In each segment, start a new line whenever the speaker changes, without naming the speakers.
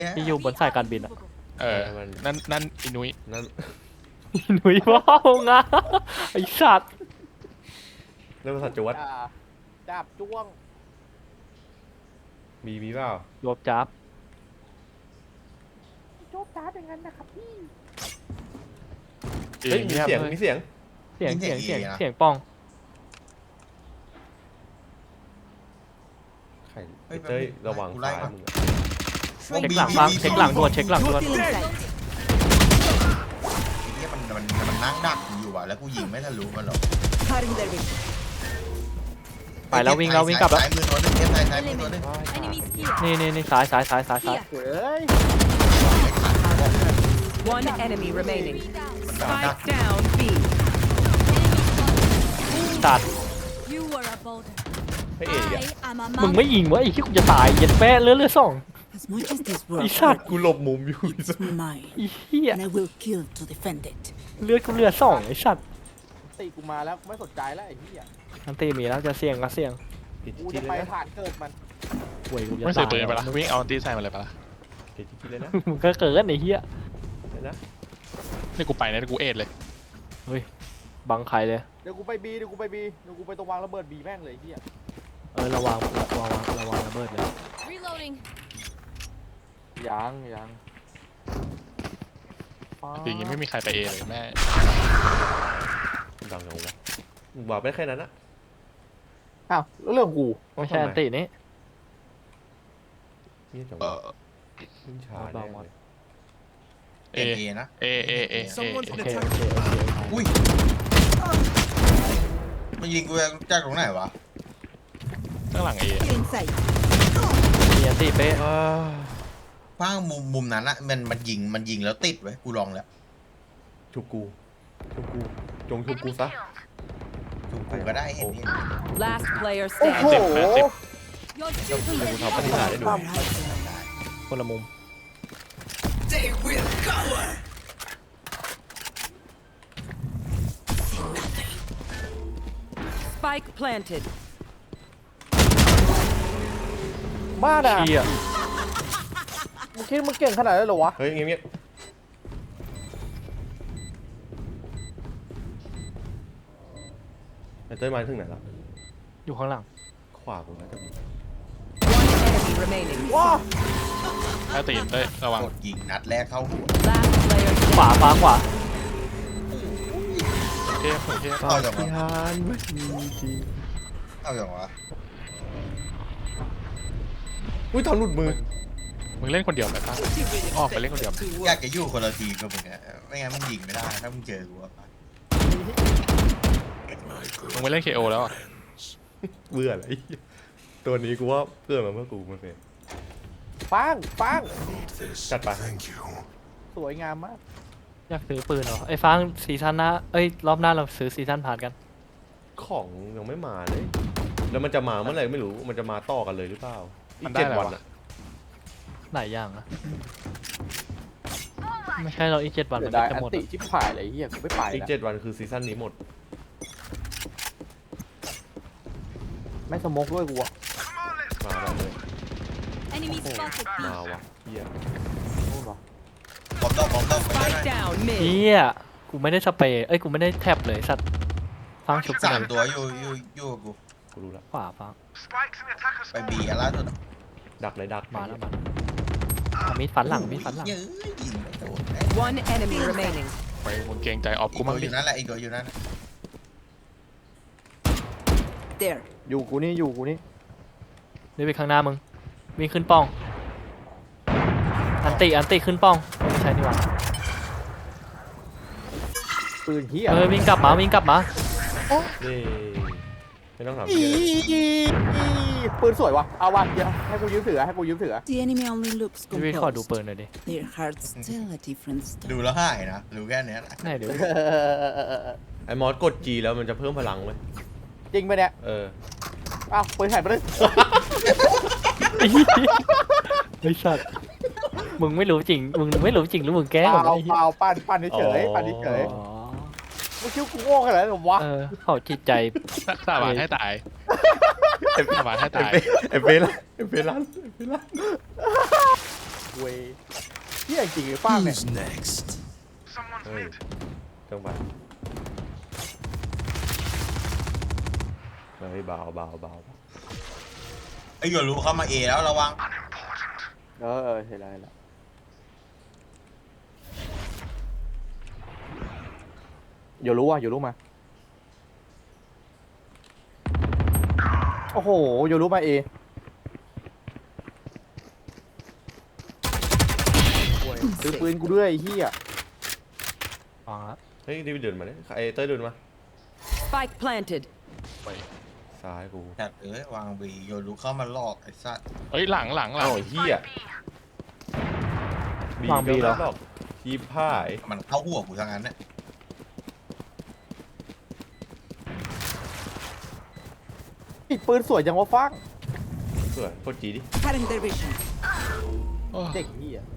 ที่อยู่บนสายการบินอะ
นั่นอินุย
นั่น
หนุ่ยว้าวงาไอสัตว์
เรื่องภาษาจวด
จับจ้วง
มีเปล่าร
วบจับ
โจ๊กจ้าเป็นงั้นนะครับพี่
เฮ้ยมีเสียงมีเสียง
เสียง
มี
เสียง
เสี
เสีย
ย
ง
ง
เสียงป้อง
ไข่เต้ยระวังซ้ายมึงอะ
เช็คหลังฟังเช็คหลังด่วนเช็คหลังด่วน
ไอ้เนี่ยมันนั่งดักอยู่อ่ะแล้วกูยิงไม่ทะลุมันหรอก
Cutting their vision.
ไปแล้ววิ่งแล้ววิ่งกลับแล้ว
ซ้ายมือตัวหนึงเทียบซ้ายมือตัวหนึง
Enemies here.
นี่ซ้ายซ้ายซ้ายซ้ายซ้าย
เฮ้ย
One enemy remaining.
มันดัก
Spike down B.
สัตว์
You were a boulder.
ให้เอ๋อะ
I am a
มึง
mountain.
ไม่ยิงวะไอ้ที่กูจะตายเย็ดแม่เลือดสอง
As much as this
ไอ้
world
สัตว์
กูหลบมุมอยู่
is mine,
ไอ้เหี้ย
and I will kill to defend it.
เลือดกูเลือดสองไอ้สัตว์
ตีกูมาแล้วกูไม่สนใจแล้วไอ้เหี้ย
อันตีมีแล้วจะเสี่ยงก็เสี่ยง
ผิด
กู
ที่
จะ
เล
ไป
ยนะ
ผ่านเกิดมัน
ป่วยกูจะ
ไม่ซื้
ตา
อย ปืนไปละวิ่งเอาตีใส่มาเลยปะล่ะ
ผิดที่เลยนะ
มึงก็เกิดไอ้เหี้ย
เลยนะ
นี่กูไปนะกูเอ็ดเลย
บังใครเลย
เดี๋ยวกูไปบีเดี๋ยวกูไปตรงวางระเบิดบีแม่งเลยไอ้เหี้ย
ระวังระเบิดเลย
Reloading.
ยัง
จริงๆไม่มีใครไปเอเลยแม่
ดังเอาวะมึงบอกไปแค่นั้นนะ
อ้าวแล้วเรื่องของกู
ไม่ใช่อันตีนี้
เงียบจัง
เอ
วะ
อ
ขึ้นช้าแน่เลย
เอ
เอนะ
เอ
โอเค
อุ้ยมันยิงกูจากตรงไหนวะ
ข้างหลังเอ
In sight.
มีอันตีเป๊ะ
ฟ้างมุมนั้นอะมันยิงแล้วติดไว้กูลองแล้ว
ชุบกูจงชุบกูซะ
ถูกกูก็ได้เห็นนี่
Last player
โอ้โห
standing.
Your
เดี๋ยว
duty
กู
is
ทำปฏิหารย์ได้ดู
คนละมุม
Spike planted.
บ้าด่ะ
เชี่ย
มึงคิดมึงเก่งขนาดนั้นเหรอวะ
เฮ้ยเงียบไอ้เต้ยมาถึงไหนละ
อยู่ข้างหลัง
ขวากูนะจะมี
One enemy remaining.
ว้า
ถ้าตีนเต้ยระวัง
กดยิงนัดแรกเข้าหัว
Last player
ขวา
standing.
ขวา
เทพเทพ
เข้าจัง
พิ
วะ
หารไม่มีจริง
เข้าจังวะ
อุ้ยตอนหลุดมือ
มึงเล่นคนเดียวไหมป้าออกไปเล่นคนเดียว
อยากจะอยู่คนละทีมกับมึงอะไม่งั้นมึงยิงไม่ได้ถ้ามึงเจอกูอะ
มึงไปเล่นเคโอแล้วอ่ะ
เบื่อเลยตัวนี้กูว่าเกิดมาเพื่อกูมันเป็น
ปัง
จัดไป
สวยงามมาก
อยากซื้อปืนเหรอไอ้ฟังซีซั่นหน้ารอบหน้าเราซื้อซีซั่นผ่านกัน
ของยังไม่มาเลย แล้วมันจะมาเมื่อไหร่ไม่รู้มันจะมาต่อกันเลยหรือเปล่าอี
มัน
ก
ได้
7
อะไร
วัน
วะ
อะ
หลายอย่างนะไม่ใช่เราอีก7 วัน
เดี๋
มั
ยวน ได้
จะ
อัน
หมด
ติ
อะ
ชิบหายเลยไอ้เหี้ยกูไม่ไป
อีก
แล้ว
7 วันคือซีซั่นนี้หมด
ไม่สโมกด้วยกูอะ
มาแล้วเลย
enemy spotted.
มาวะเฮีย
นู่นวะ
บอมต้องไปได้
Spike down
เฮี
mid.
ยกูไม่ได้สเปรย์กูไม่ได้แท็บเลยสัตว์ฟังชุบกัน
สาม
เลย
ตัวอยู่กับกู
กูรู้ละ
ขวาฟัง
ไปบีอันล่าสุด
ดักเลยดัก
มาแล้วเอามีดฟันหลัง
เยอะยิงไม่โดน
One enemy remaining.
ไปมึงเกรงใจออฟ
อี
กู
ก
มั่
ตั
ง
วอ
ดิ
ยู่นั่นแหละอีกตัวอยู่นั่น
There.
อยู่กูนี่
นี่ไปข้างหน้ามึงวิ่งขึ้นป้อง อันติขึ้นป้องไม่ใช่นี่หว่า
ปืนเหี้ย
วิ่งกลับมา
นี่ไม่ต้องถาม
อี
เฮีย
ปืนสวยวะเอาวะเดี๋ยวให้กูยืมถือ
The enemy only looks
พี่วิทย์ขอดู
composed.
ปืนหน่อยดิ
Their hearts tell a different
ดู
story.
แล้วหายนะรู้แค่เนี้ยนะ
ไหนเดี๋ยว
ไอ้มอสกด G แล้วมันจะเพิ่มพลังไหม
จริงไปะเนี่ย
เออ
อ้าวปืนหายไปเลย
ไอ้สัตว์มึงไม่รู้จริงหรือมึงแกล้ง
เป
ผม
ล่า
ไอ้เหี้ย
ปั่นเฉย
อ๋อ
ปั่นเฉย
อ๋อ
มึงคิดว่ากูโง่ขนาดนั้นเหรอวะ
เขาจิตใจ
สาบานให้ตายสาบานให้ตาย
ไอ้เฟลัน
เว้ยเฮียจริงหรือป้างเนี่ย
เฮ้ยจังหวะเฮ้ยเบา
ไอ้หยวนรู้เข้ามาเอแล้วระวัง
เห็นแล้วอยู่รู้มาโอ้โหอยู่รู้มาเอซื้อปืนกูด้วยไอ้เหี้ย
ฟังแล้ว
เฮ้ยดิวเดินมาเนี่ยไอ้เต้ยเดินมา
Spike planted.
ซ้ายกู
จัดวางบีหยวนรู้เข้ามาลอกไอ้สัตว์
เฮ้ยหลัง
อ้าวไอ้เหี้ยบี
วางบีเหรอ
ก็ไม่บอกทีพ่าย
มันเข้าหัวกูทั้งนั้นเนี่ย
อีกปืนสวยจังวะฟัง
สวยโคตรจีดิ
Cutting their vision.
เด็กเหี้ย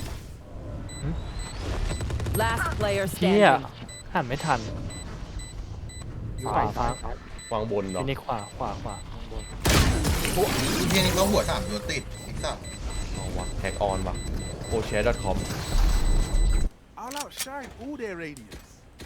Last player
เชี่ย
standing.
หันไม่ทันขวาฟัง
วางบนเหรอ
ทีนี้ขวาข้างบน
เฮียนี่ก็หัว3ตัวติดไอ้สัตว์
เอาวะแฮกออนวะoshare.com
I'll outshine all their radiance.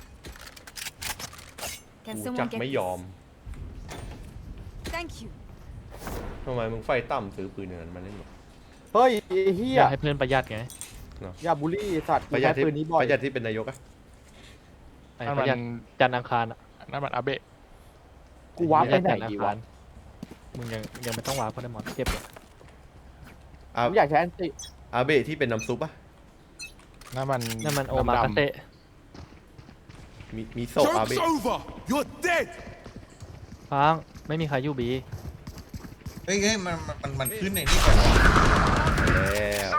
Can
กูจัก
someone get
ไม่ยอม
Thank you.
ทำไมมึงไฟต่ำซื้อปืนอย่างนั้นมาเล่นหรอ
เฮ้ยไอ้เหี้
อย ยากให้เพื่อนประหยัดไง
อย่าบูลลี่สัตว์
ประหยัดที่
ปืนนี้บ่อย
ประหยัดที่เป็นนายกอะ
ไอ้
นั่น
ป
มั
ระหยัด
น
จันทร์อังคารอ่ะ
นั่นมันอาเบะ
กูว้าร์ปไปไหน
จันทร์อั
ดี
ง
วะ
คารมึงยังไม่ต้องวาร์ปเพราะได้หมอนเจ็บเลย
อา
ผมอยากใช้แอนติ
อาเบะที่เป็นน้ำซุปอะ
นั่นมัน
นั่นมันโอมากาเตะ
มีโซะอาเบะ
Joke's over. You're dead.
ฟังไม่มีใครอยู่บี
เฮ้ยมันขึ้นในนี่ก่อน
แล้ว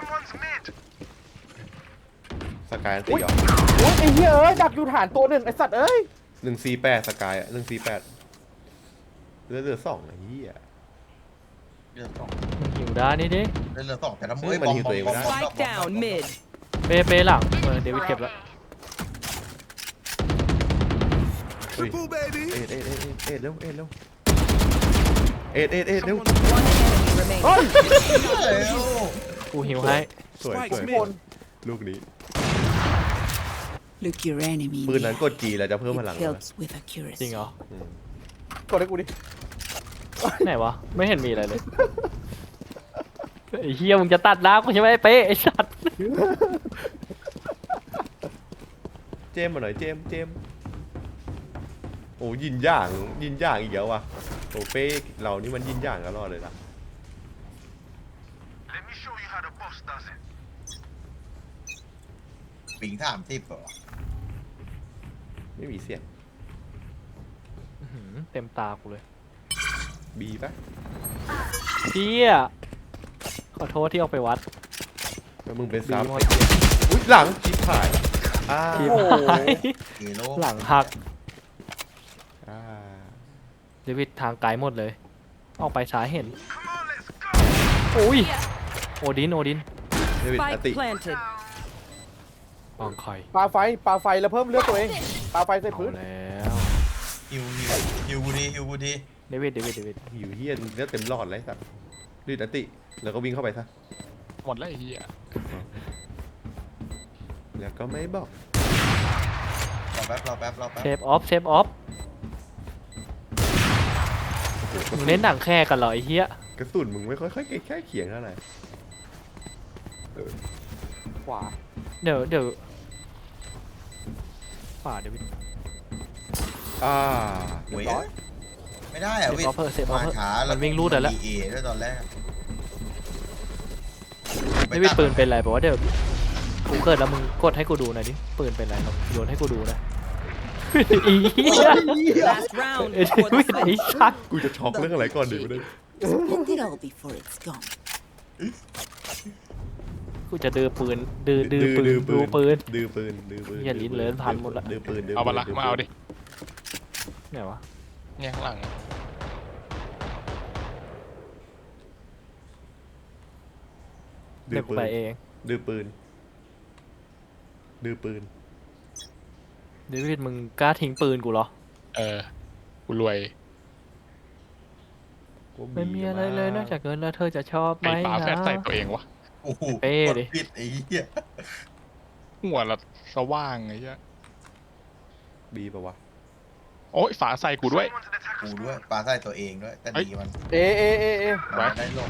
สกายอันตีเหรอ
โอ้ยไอ้เหี้ยเอ้ยดักอยู่ฐานตัวหนึ่งไอ้สัตว์เอ้ย
148สกายอะ148เหลือ2ไอ้เหี้ย
เรือสอง
มึงหิวด้านนี่ดิ
เรือสองแต่ละมื
เฮ้ยมันหิวตัวเองไม่ได้
Spike down mid.
เป้หลังเดวิดเก็บแล้ว
เฮ้ย
Triple baby.
เอ็ดเร็วเร็วเร็ว
One enemy remaining.
กูหิวให้
สวย
Spike's
สวย
mid.
ลูกนี้
Look your enemy. in
ปืน
the
นั้น
eye.
กดจีแล้วจะเพิ่มพลัง
It
แล้วนะ
helps with accuracy.
จริงเหรอ
อืม
กดให้กูดิ
ไหนวะไม่เห็นมีอะไรเลยไอ้เฮียมึงจะตัดน้ำกูใช่ไหมไอ้เป๊ะไอ้สัตว์
เจมส์มาหน่อยเจมส์โอ้ยินย่างอีกแล้วว่ะโอ้เป้เรานี่มันยินย่างตลอดเลยนะ
Let me show you how the boss does it.
ปิง30เหรอ
ไม่มีเสียง
อื้อหือเต็มตากูเลย
บีปะ
เฮียขอโทษที่เอาไปวัด
แล้วมึงเป็น
บี
ซับ
หมด
อุ้ยหลังชิบหายอ้า
ทีม
ว
หาย
เกโล
หลังหัก
อ่า
เดวิดทางไกลหมดเลยออกไปช้าเห็น
Come on, let's go.
โอ้ยโอดิน
เดวิดอติ
Spike planted.
ปองคอย
ปาไฟแล้วเพิ่มเลือดตัวเองปาไฟใส่
เอา
พื้น
แล้ว
ฮิวกูดี
เดวิด
อยู่เฮียเลือดเต็มหลอดเลยสัตว์รีดอติ แล้วก็วิ่งเข้าไปซะ
หมดแล้วไอ้เหี้ย
แล้วก็ไม่บอก
รอแป๊บ
เซฟออฟมึงเล่นหนังแค่กันเหรอไอ้เหี้ย
กระสุนมึงไม่ค่อยแค่เขียงเท่าไหร่
ขวา
เดี๋ยวขวาเดวิด
อ่า
เว้ยไม่ได้อะ
เซฟ
วิ
ออฟเซฟออ
มา
ฟ
ช้า
มันวิ่งรูดแล้ว
เอด้วยตอนแรก
เดวิดปืนเป็นไรบอกว่าเดี๋ยวกูเกิดแล้วมึงกดให้กูดูหน่อยดิปืนเป็นไรลองโยนให้กูดูนะอีเหี้ย
Last round
เด
before
วิ
the
ดไอ้
switch.
ชัก
กูจะช็อกเรื่องอะไรก่อนดีวะเนี่ย
Spend it all before it's gone.
กูจะดื้อปืนดื้อปืนดูปืน
ดื้อปืน
อย่าลิ้นเลิ้นพันหมดละ
ดื้อปืน
เอามาละมาเอาดิ
ไหนวะ
เนี่ยข้างหลัง
ดื้
เดี๋
อ
ยวกู
ปืน
ไปเอง
ดื้อปืนดื้อปืน
เดวิดมึงกล้าทิ้งปืนกูเหรอ
กูรวย
ไม่มีอะไรเลยนอกจากเงินแล้วเธอจะชอบไหม
ไอ้ฝาแฟด
นะ
ใส่ตัวเองวะ
โอ้โห
เป้ดิ
กผิดไอ้เหี้ย
หัวละสว่างไอ้เหี้ย
บีปะวะ
โอ้ยฝาใส่กูด้วย
กูด้วยปลาใส่ตัวเองด้วยแต่ดีมัน
เอ
มันได้ลง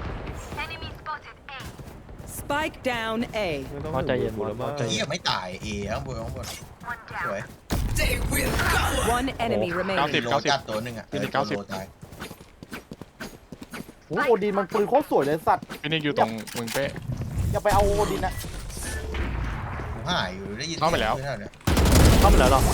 Spike down A.
ไม่ต้อง
พอใจเย็น
กูแล้วมั้ง
พอใจเย็
เหี้ยไม่ตายข้างบนสวย
One enemy
มี
remaining.
โลจัดตัวหนึ่งอ่ะ
ฟินิก
ตัว
90
โลตาย
โอ้โอดินมันปืนโคตรสวยเลยสัตว์
ฟินิกอยู่ตรงมึงเป้
อย่าไปเอาโอดินนะ
กูหายอยู่ได้ยิน
เข้าไปแล้ว
สียงเนี่ย
เข้าไปแล้วหรอ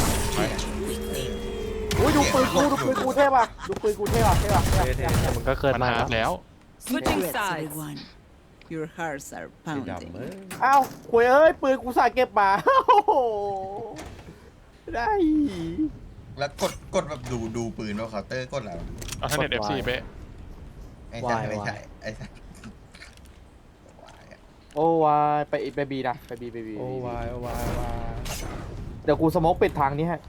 อุ้ยดูปืนกูเท่ป่ะดูปืนกูเท่ป่ะเท่ป่ะ
เท่เท่
แต่มันก็เกิน
มัน
มา
หา
แล้ว
แล้ว
Switching
Regrets,
sides.
everyone. Your hearts are
สีดำ
pounding.
อ้าวคุยเอ้ยปืนกูใส่เก็บมาโอ้โหได้
แล้วกดแบบดูปืนว่าเคาน์เตอร์กดแล้ว
เอาท่าเน็ต FC เป้
ไอ้ใช่ไม่ใช่ไอ้ใช่
โอ้วายไปบีนะไปบี
โอ้วายโอ้วายโอ้วาย
เดี๋ยวกูสโมกปิดทางนี้ให้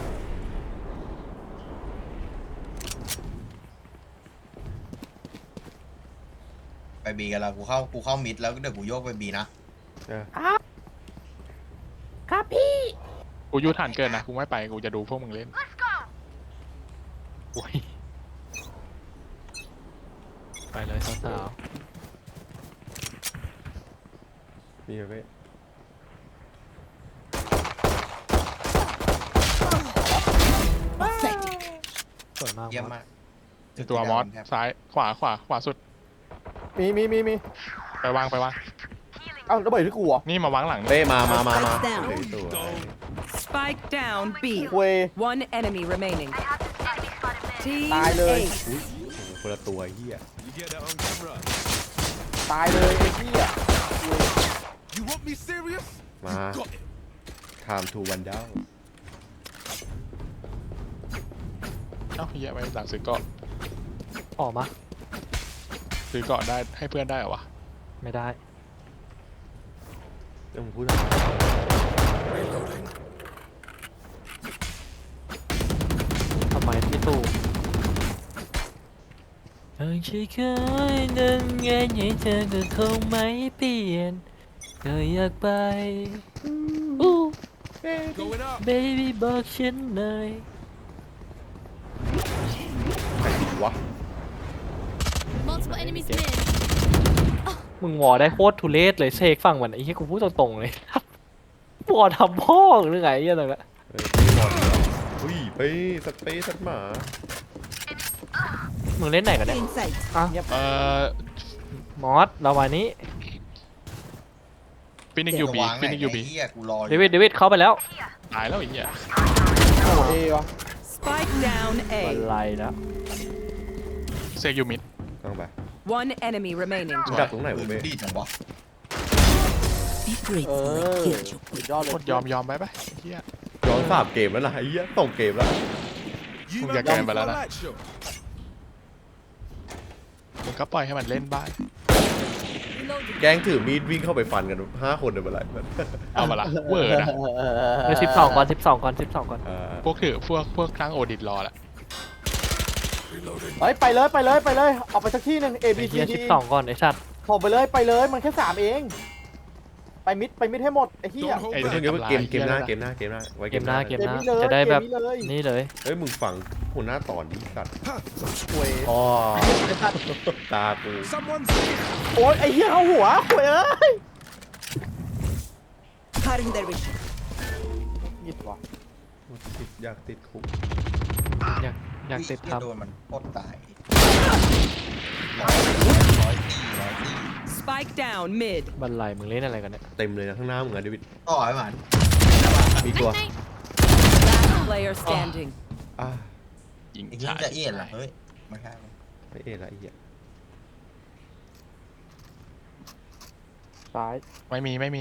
ไปบีกันแล้วกูเข้ามิดแล้วเดี๋ยวกูโยกไปบีนะ
เออ
ครับพี่
กูยูฐานเกินนะกูไม่ไปกูจะดูพวกมึงเล่น
โอ้ยไปเลยสาว
นี่เว้ย
Pathetic.
ๆสวยมาก
เยี่ยมมาก
ตัวมอสซ้ายขวาสุด
มี
ไปวาง
เอ้าระเบิดที่กูเหรอ
นี่มาวางหลังนี่
เป้มาโอเคสวย
Spike down B.
คุย
One enemy remaining. Team
Bye, Lily.
Ace.
โอ้โหคนละตัวเหี้ย
You get that on camera.
ตายเลยไอ้เหี้ย
You want me serious?
มา
Got it.
time to one down
เอ้าเหี้ยไปหลังซื้อเกาะ
ออกมา
ซื้อเกาะได้ให้เพื่อนได้เหรอวะ
ไม่ได้
เดี๋ยวผมพูดอะไร
ทำไมพี่ตู่หากฉันเคยนั่งไงให้เธอก็คงไม่เปลี่ยนก็อยากไปอู้
Going up.
baby บอกฉันหน่อย
ใครวะ
Multiple enemies mid.
มึงวอได้โคตรทุเรศเลยเซกฟังมันไอ้เหี้ยกูพูดตรงๆเลย วอทำพ่อหรือไงไอ้เหี้ยอะไรละ
เฮ้ยไม่รอดอีกแล้วอุ้ยไปสัตว์เป้สัตว์หมา
มึงเล่นไหนกันเนี่ย
Inside.
มอสเราวันนี้
ฟินิกยูบี
วางไหน
ฟินิกยูบี
ไอ้เหี้ยกูรออ
เด
ยู่
วิดเข้าไปแล้ว
ตายแล้วไอ้เหี้ย
โอ้เอวะ
Spike down
บัน
A.
ไลแล้ว
เซกยูมิด
ต้องไป
One enemy remaining.
มึงดักตรงไหน
ปื
วะ
น
เป้
ดีจังวะ
Be grateful I killed you.
สุดยอดเลย
โคตรยอมไปปะไอ้เหี้ย
ย้อน3เกมแล้วนะไอ้เหี้ยส่งเกมแล้ว
You
Không
man
ra kèm
ready
vào
for
đó
a
nè.
light show?
มึงก็ปล่อยให้มันเล่นบ้าง
Reloading.
แก๊งถือมีดวิ่งเข้าไปฟันกัน5 คนเลยเมื่อไหร่
เอามาละเวอร์นะ
เออ12ก่อน12ก่อน12ก่อน
พวกครั้งโอดิตรอละ
เฮ้ยไปเลยออกไปสักที่หนึ่ง A B
ไอ้
C
เหี้ย
D
12ก่อนไอ้สัตว์
ผมไปเลยมันแค่3เองไปมิดให้หมดไอ้เหี้ย
Don't hold
ไอ้
เดี๋ยว
back.
เดี๋ยวเกมหน้าไว้
เกมหน้าเกมหน้า
เกมนี้เลย
จะได้แบบ
เกมนี้เลย
นี่เลย
เฮ้ยมึงฟังหัวหน้าตอนนี้สัตว์
คุย
อ๋อตากู
Someone's
โอ๊ยไอ้เหี้ยเข้าหัวคุยเอ้ย
Cutting their vision.
ยิดว่ะ
อยากติดคุก
อยากติด
เหี้
ทั
ย
บ
โดนมันโคตรตาย
Spike down mid.
บันไลมึงเล่นอะไรกันเนี่ย
เต็มเลยนะข้างหน้ามึงอะเดวิด
ต่อไอ้หมัน
มีตัว
Night, night.
Last player standing.
อ่ะ
ยิง
ไอ้เหี้ย
ฉาย
จะเอียนเหรอเฮ้ยไม่ใช่
ไม่เอะละไอ้เหี้ย
ซ้าย
ไม่มี
ไม่มี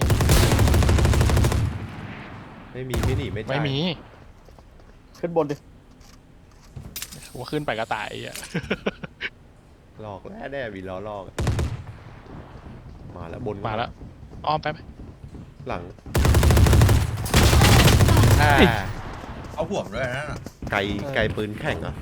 ไม่หนีไม่จ่าย
ไม่มี
ขึ้นบนดิ
ว่าขึ้นไปก็ตายไอ้เหี้ย
หลอกแล้วแน่มีล้อลอกมาแล้วบน
มาแล้วอ้อมไปไหม
หลัง
เอาห่วงด้วยนะ
ไกลปืนแข่งเหรอ่ะ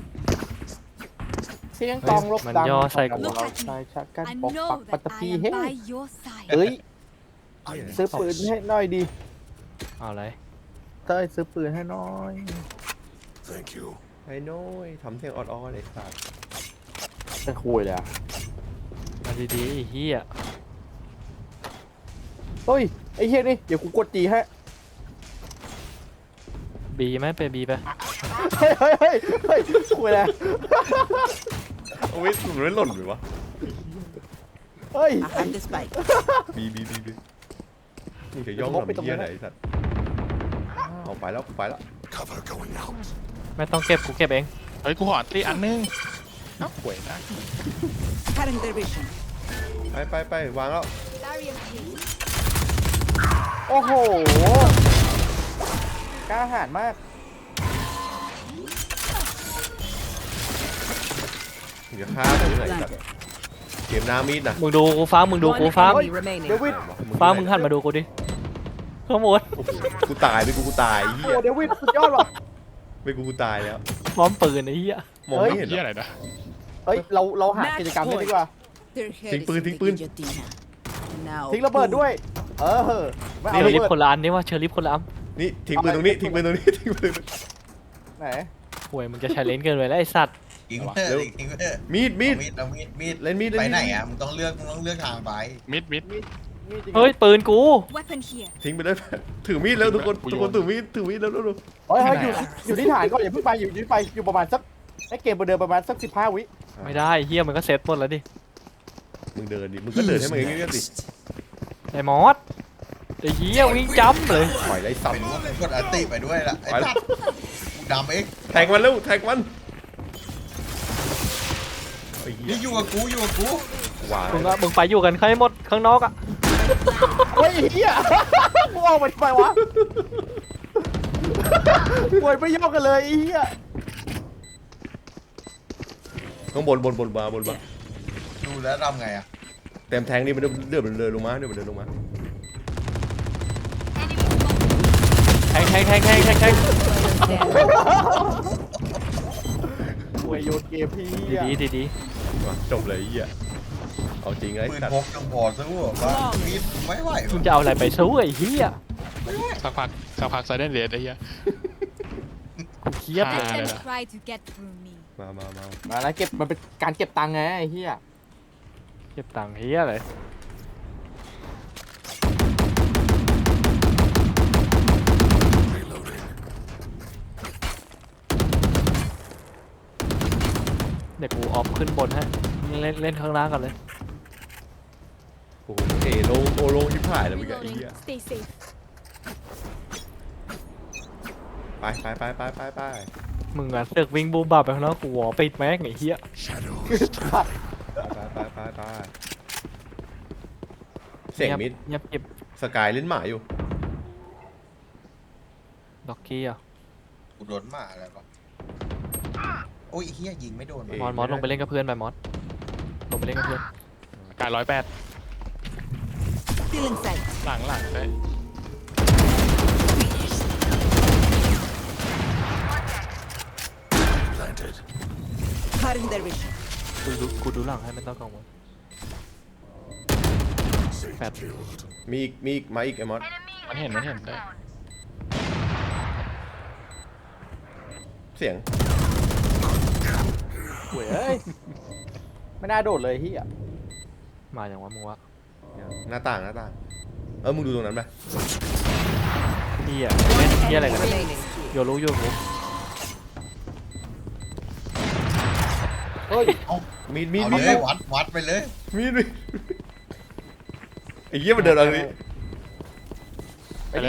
เสียงกลองรบ
มัน
ดัง
ย่อใส่กู
เราชายชะกัน
I
ปกปัก
know
ปัต
that
ตพี
I am
เฮ้
by your side.
เอ้ยซื้อปืนให้หน่อยดิ
เอาอะไร
เต้ยซื้อปืนให้หน่อย
ไอ้น้อยทำเสียงออดๆเลยสัตว์
จะคุยเลยอะ
มาดีๆไอ้เฮีย
เฮ้ยไอ้เหี้ยนี่เดี๋ยวกูกดจีให้
บีไหมไปบีไป
เฮ้ยเฮ้ยเฮ้ยเฮ้ยคุยเลย
เอาไว้มันไม่หล่นเลยวะ
เฮ้ย
I have the spike.
บีมึงจะย่องทำเหี้ยไหนสัตว์เอาไปแล้วไปแล้ว
ไม่ต้องเก็บกูเก็บเอง
เฮ้ยกูขอตีอันนึงเอ้าห่วยนะ
Cutting their vision.
ไปวางแล้ว
Barrier here.
โอ้โหกล้าหาญมาก
มึงจะฆ่ากูไหนสัตว์เกมหน้ามีดนะ
มึงดูกูฟ้ามึงดู
One
กูฟ้า
enemy remaining.
เดวิด
ฟ้ามึงหันมาดูกูดิขโมย
โอ้โหกูตายไปกูตายเหี้
โอ้
ย
เดวิดสุดยอดว่ะ
ไม่กูตายแล้ว
พร้อมปืนไอ้เหี้ย
มองไม่เห็น
เหี้ย
หร
อะ
อ
ไรนะ
เฮ้ยเราหากิจกรรมนี้ดีกว่า
Their head
Think
is
ปืน
in
think
the
ปืน
guillotine. Now
ทิ้งระเบิดด้วย เออไม่
เช
เอา
อ
ระ
ริฟ
เบิด
คนละอันนี่ว่าเชอริฟคนละอัน
นี่ทิ้งปืนตรงนี้ทิ้งปืนตรงนี้ทิ้งปืน
ไหน
ห่วยมึงจะใช้เลนเกินไปแล้วไอ้สัตว์
ทิ้งเถอะทิ้งเถอะ
มีด
เอามีด
เล่นมีด
ไปไหนอ่ะมึงต้องเลือกทางไป
มิด
นี่จริง
เฮ้ยปืนกู
Weapon here.
ทิ้งไปได้ถือมีดแล้วทุกคนถือมีดแล้ว
เฮ้ยอยู่ที่ฐานก่อนอย่าเพิ่งไปอยู่ที่ไปอยู่ประมาณสักให้เกมเดินประมาณสัก15 วิ
ไม่ได้เฮียมันก็เซ็ตหมดแล้วดิ
มึงเดินดิมึงก็เดินให้มันเงี้ยสิ
ไอ้มอสไอ้เฮียวิ่งจัมป์เลย
ปล่อยไรสับ
ไปด้วยกดอันติไปด้วยล่ะไอ้สัตว์กูดำเอง
แทงมันเร็วแทงมันไอ้เหี้ย
นี่อยู่กับกู
หวาน
มึงไปอยู่กันใครหมดข้างนอกอ่ะ
เฮ้ยเฮียกูออกมาทำไมวะป่วยไม่ยอมกันเลยไอ้เฮีย
ข้างบนมา
ดูแล้วทำไงอ่ะ
เต็มแทงนี่มันเดินลงมา
แทง
ป่วยโยนเกมพี่เฮีย
ดี
จบเลยไอ้เหี้ยเอาจริงไอ้
ปืน
สัต
พ
ว์
กจังพอซะว่าว่ามีดไม่ไหว
มึงจะเอาอะไรไปสู้ไอ้เฮีย
สักพักไซเดนเรดไอ้เหี้ย
กูเครียดเลย
Let them try to get through me.
มา
มาแล้วเก็บมันเป็นการเก็บตังค์ไงไอ้เฮีย
เก็บตังค์เฮียเลยเดี๋ยวกูออฟขึ้นบนให้เล่นข้างล่างกันเลย
โอ้โหลงที่ผ่ายแล้วมึงไอ้เหี้ย
Reloading. Stay safe.
ไป
มึงอ่ะเสือกวิ่งบูมบับไปข้างนอกกูวอปิดแม็กไอ้เหี้ย
ไปเสียงมิด
เงียบเก็บ
สกายเล่นหมาอยู่
ด็อกกี้อ่ะ
กูโดนหมาอะไรวะโอ้ยเฮียยิงไม่โดน
มอสลงไปเล่นกับเพื่อนไปมอสลงไปเล่นกับเพื่อน
การ108
Still inside.
หลังได้
Cutting their vision.
กูดูหลังให้ไม่ต้องกังวลแฟด
มีอีกมาอีกไอ้มอส
มันเห็นได้
เสียง
ป่วยเอ้ยไม่น่าโดดเลยเฮีย
มาอย่างว่ามึงวะ
หน้าต่างมึงดูตรงนั้นไหม
เหี้ยเล่นเหี้ยอะไรกัน
Remaining.
โยรู้โยรู้
เฮ้ย
มีด
เอาเลยวัดไปเลย
ไอ้เหี้ยมันเดินอะไรนี่
ไปเลย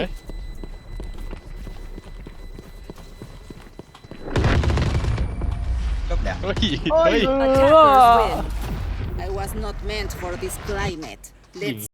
ก็แบบ
เฮ้ย
เฮ้ย
Attackers win.
I was not meant for this climate. Let's